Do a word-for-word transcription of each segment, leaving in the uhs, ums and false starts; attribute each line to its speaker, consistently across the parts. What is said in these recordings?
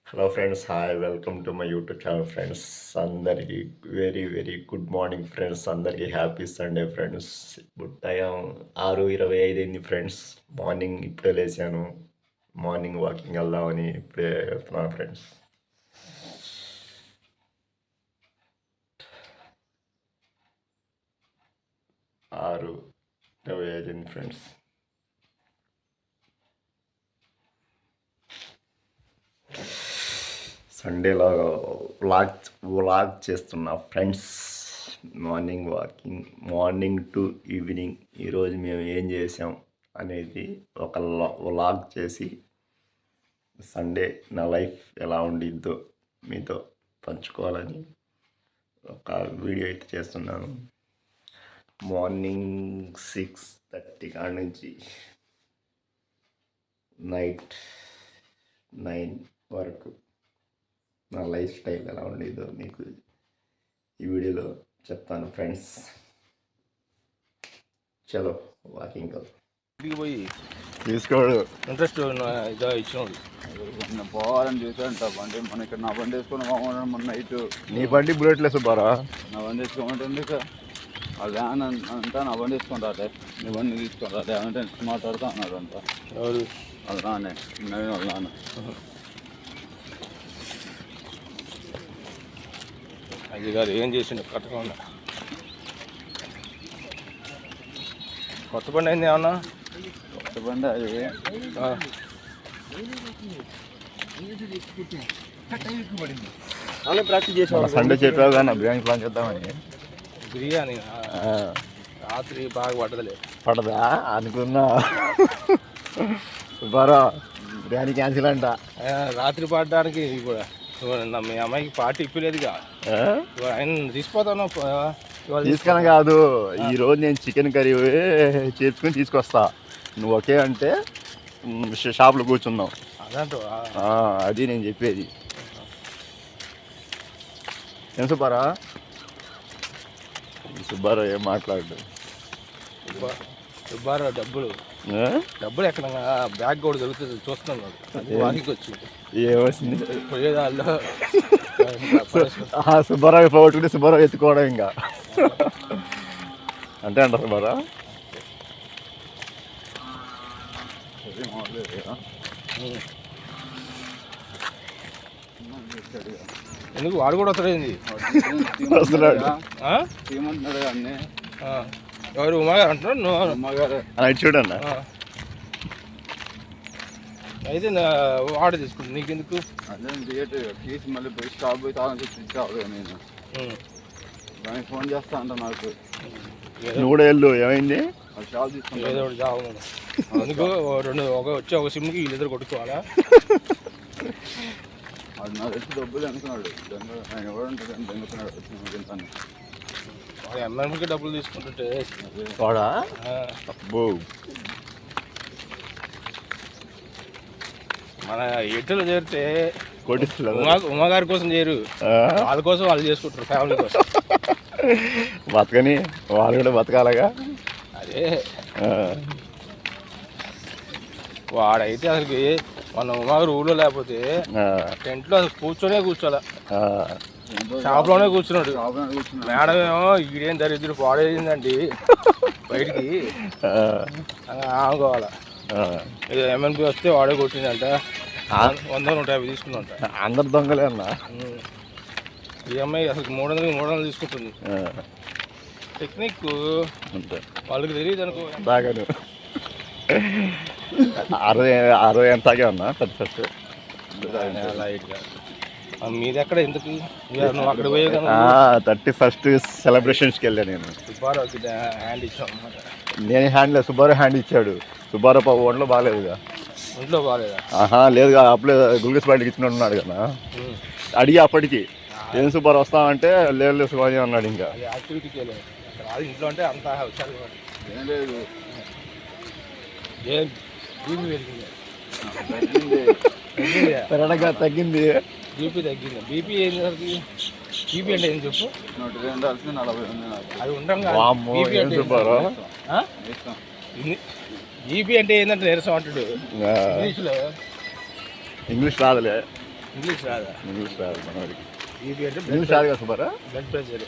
Speaker 1: Hello friends, hi, welcome to my YouTube channel friends. అందరికీ very very good morning friends. అందరికీ happy Sunday friends. ఇప్పుడు time ఆరు ఇరవై ఐదు అయింది ఫ్రెండ్స్. మార్నింగ్ ఇప్పుడే లేచాను. మార్నింగ్ వాకింగ్ వెళ్దామని ఇప్పుడే వెళ్తున్నాను ఫ్రెండ్స్. ఆరు ఇరవై ఐదు అయింది ఫ్రెండ్స్. సండేలో వ్లాగ్ వ్లాగ్ చేస్తున్నా friends. Morning walking, morning to evening ఈరోజు మేము ఏం చేసాం అనేది ఒక వ్లాగ్ చేసి సండే నా లైఫ్ ఎలా ఉండిద్దో మీతో పంచుకోవాలని ఒక వీడియో అయితే చేస్తున్నాను. మార్నింగ్ సిక్స్ థర్టీ కాడ నుంచి నైట్ నైన్ వరకు నా లైఫ్ స్టైల్ ఎలా ఉండేదో మీకు ఈ వీడియోలో చెప్తాను ఫ్రెండ్స్. చలో వాకింగ్
Speaker 2: ఇంటికి పోయి
Speaker 1: తీసుకోడు
Speaker 2: ఇంట్రెస్ట్ ఇదా ఇచ్చినోడు
Speaker 3: పోవాలని చూసాంట బండి మన ఇక్కడ నా బండి వేసుకుని పోమన్నా మన నైట్.
Speaker 1: నీ బండి బుల్లెట్ లేదు బారా.
Speaker 3: నా బండి వేసుకోమంటే ఎందుకు ఆ వ్యాన్ అంతా నా బండి వేసుకుంటారే, నీ బండి తీసుకుంటారే అంటే మాట్లాడుతూ అన్నాడు అంట.
Speaker 2: ఎవరు
Speaker 3: అది రానే నేను వాళ్ళ నాన్న.
Speaker 2: అది కాదు ఏం చేసిండు కట్టకుండా. కొత్త బండి అయింది ఏమన్నా?
Speaker 3: కొత్త బండి అది
Speaker 1: ప్రాక్టీస్ చేసాం. సండే చెప్పావు కానీ బిర్యానీ ప్లాన్ చేద్దామని.
Speaker 2: బిర్యానీ రాత్రి బాగా పడదలే.
Speaker 1: పడదా అనుకున్నా. బారా బిర్యానీ క్యాన్సిల్ అంట.
Speaker 2: రాత్రి పడడానికి కూడా మీ అమ్మాయికి పార్టీ ఇప్పలేదుగా. ఆయన తీసిపోతాను
Speaker 1: తీసుకొని కాదు, ఈరోజు నేను చికెన్ కర్రీ చేసుకుని తీసుకొస్తా. నువ్వు ఓకే అంటే షాప్లో కూర్చుందాం.
Speaker 2: అదంటూ
Speaker 1: అది నేను చెప్పేది. ఏం సుబ్బారా? సుబ్బారావు ఏం మాట్లాడు.
Speaker 2: సుబ్బారావు డబ్బులు డబ్బులు ఎక్కడ బ్యాగ్ కూడా దొరుకుతుంది చూస్తున్నాను. వానికి వచ్చి
Speaker 1: ఏమొచ్చింది
Speaker 2: పోయేదాల్లో
Speaker 1: సుబ్బారావు పోగొట్టుకుంటే సుబ్బారావు ఎత్తుకోవడం ఇంకా అంతే అంటారు సుబ్బారావు.
Speaker 2: ఎందుకు వాడు కూడా వస్తాడేంది?
Speaker 1: వస్తున్నాడు.
Speaker 3: ఏమంటున్నాడు అన్నీ
Speaker 2: ఎవరు ఉమాగారు అంటున్నాడు? నువ్వు
Speaker 3: అమ్మగారు
Speaker 1: అది చూడన్న.
Speaker 2: అయితే వాడు తీసుకుంటా నీకెందుకు?
Speaker 3: అదే థియేటర్ తీసి మళ్ళీ పోయి స్టాప్ పోయి తాళం తెచ్చి ఇచ్చావు. నేను దానికి ఫోన్ చేస్తా అంట నాకు.
Speaker 1: నువ్వు కూడా వెళ్ళు. ఏమైంది?
Speaker 3: షాప్ తీసుకుంటా
Speaker 2: ఏదో ఒకటి జాబ్ అందుకు రెండు ఒక వచ్చి ఒక సిమ్కి వీళ్ళిద్దరు కొట్టుకోవాలా?
Speaker 3: అది నా తెచ్చి డబ్బులు అనుకున్నాడు. ఆయన ఎవరంటాడు అని దెంగుతున్నాడు.
Speaker 2: వాడు ఎంఎంకి డబ్బులు తీసుకుంటుంటే
Speaker 1: వాడా అబ్బో.
Speaker 2: మన ఎడ్డలు చేరితే
Speaker 1: కోటిస్తున్నారు.
Speaker 2: ఉమా ఉమాగారి కోసం చేయరు, వాళ్ళ కోసం వాళ్ళు చేసుకుంటారు, ఫ్యామిలీ కోసం.
Speaker 1: బతకని వాళ్ళు కూడా బతకాలగా.
Speaker 2: అదే వాడైతే అసలుకి మన ఉమాగారు ఊళ్ళో లేకపోతే టెంట్లో అసలు కూర్చొనే కూర్చోాల. షాప్లోనే కూర్చున్నాడు. మేడం ఏమో ఈడేం దరిద్రుడు పాడేసిందండి బయటికి అనుకోవాలా. ఎంఎన్పి వస్తే వాడే కొట్టిందంట. వంద నూట యాభై తీసుకున్నాంట.
Speaker 1: అందరు దొంగలే అన్న.
Speaker 2: ఈఎంఐ అసలు మూడు వందలకి మూడు వందలు తీసుకుంటుంది. టెక్నిక్ వాళ్ళకి తెలియదు అనుకో.
Speaker 1: దాగాను అరవై అరవై ఎంతగే ఉన్నా థర్టీ ఫస్ట్
Speaker 2: లైట్గా. మీది ఎక్కడ ఎందుకు నువ్వు అక్కడ పోయే కదా?
Speaker 1: థర్టీ ఫస్ట్ సెలబ్రేషన్స్కి వెళ్ళా నేను.
Speaker 2: సుబ్బారావుకి హ్యాండ్ ఇచ్చాం అనమాట.
Speaker 1: నేను హ్యాండ్ లేదు, సుబ్బారావు హ్యాండ్ ఇచ్చాడు. సుబ్బారావు ఒంట్లో బాగాలేదుగా.
Speaker 2: ఒంట్లో బాగాలేదా?
Speaker 1: ఆహా లేదుగా. అప్పుడే గుల్గస్ బయటకి ఇచ్చిన ఉన్నాడు కదా. అడిగి అప్పటికి ఏం సుబ్బారావు వస్తామంటే లేదు లేదు సుబ్బారావు అన్నాడు. ఇంకా
Speaker 2: యాక్టివిటీకి వెళ్ళాడు. ఇంట్లో అంటే అంత హుషారు
Speaker 3: ఏం లేదు.
Speaker 2: ఏం బీపీ పెరిగింది?
Speaker 1: పెరడగా తగ్గింది.
Speaker 2: బీపీ తగ్గింది. బీపీ ఏంటి? బీపీ అంటే ఏం చెప్పు.
Speaker 3: నూట రెండు నలభై ఉంది నాకు.
Speaker 2: అది ఉంటాం
Speaker 1: బీపీ అంటే
Speaker 2: బీపీ అంటే ఏంటంటే నీరసం అంటాడు ఇంగ్లీష్లో.
Speaker 1: ఇంగ్లీష్ రాదులే.
Speaker 2: ఇంగ్లీష్ రాదా?
Speaker 3: ఇంగ్లీష్ రాదు మనవాడికి.
Speaker 2: బీపీ అంటే
Speaker 3: ఇంగ్లీష్ రాదు కదా సూపరా.
Speaker 2: Blood pressure.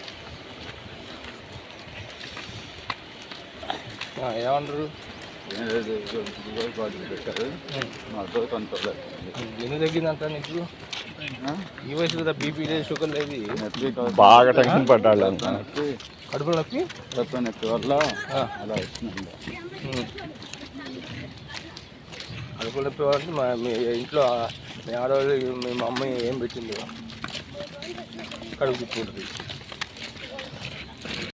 Speaker 2: ఏమంటారు?
Speaker 3: ఏం లేదు గూగుల్ కార్డు పెట్టారు మాతో కంట్రోల్
Speaker 2: ఎందుకు తగ్గిందంట నీకు? ఈ వయసులో బీపీ లేదు, షుగర్ లేదు,
Speaker 1: బాగా టెన్షన్ పడ్డాడు అంత.
Speaker 2: కడుపులో నొప్పి
Speaker 3: కడుపు నొప్పి వల్ల అలా వస్తుందండి.
Speaker 2: కడుపులో నొప్పి అంటే మా మీ ఇంట్లో మీ ఆడవాళ్ళు మీ మమ్మీ ఏం పెట్టింది? కడుపు తిప్పుకుంటుంది.